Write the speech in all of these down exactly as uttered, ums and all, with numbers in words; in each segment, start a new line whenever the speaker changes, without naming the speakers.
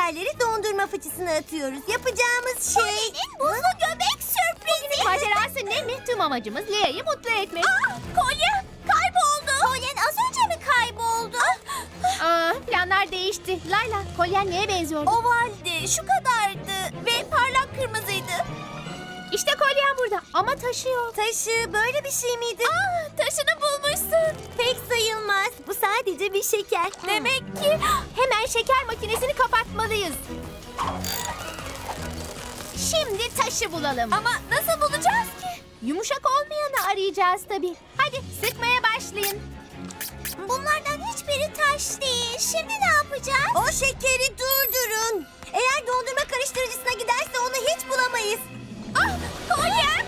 şekerleri dondurma fıçısına atıyoruz. Yapacağımız şey...
Kolye'nin buzlu göbek sürprizi.
Macerası ne mi? Tüm amacımız Lea'yı mutlu etmek.
Aa, kolye kayboldu. Kolyen az önce mi kayboldu?
Aa, planlar değişti. Layla, kolyen neye benziyordu?
Ovaldi, şu kadardı ve parlak kırmızıydı.
İşte kolyen burada ama taşıyor.
Taşı böyle bir şey miydi?
Aa, taşını bulmuşsun.
Pek sayılmaz. Bu sadece bir şeker.
Demek ki
Hemen şeker makinesini kapatmalıyız. Şimdi taşı bulalım.
ama nasıl bulacağız ki?
Yumuşak olmayanı arayacağız tabii. Hadi sıkmaya başlayın.
Bunlardan hiçbiri taş değil. Şimdi ne yapacağız?
O şekeri durdurun. Eğer dondurma karıştırıcısına giderse onu hiç bulamayız.
Ah, kolyem.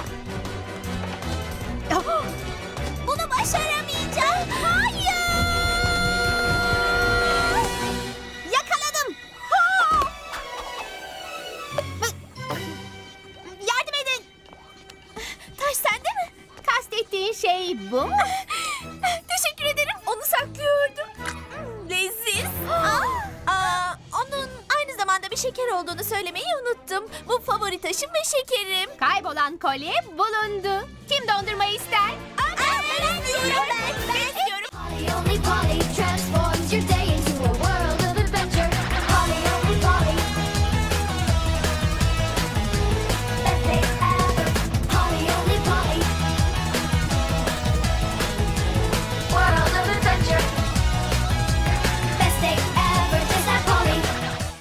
Bunu başaramayacağım. Hayır.
Yakaladım.
Yardım edin. Taş sende mi?
Kastettiğin şey bu mu?
Teşekkür ederim. Onu saklıyordum. Hmm, leziz. Aa, onun aynı zamanda bir şeker olduğunu söylemeyi unuttum. Bu favori taşım ve şekerim.
Kaybolan kolye bulundu. Kim dondurma ister?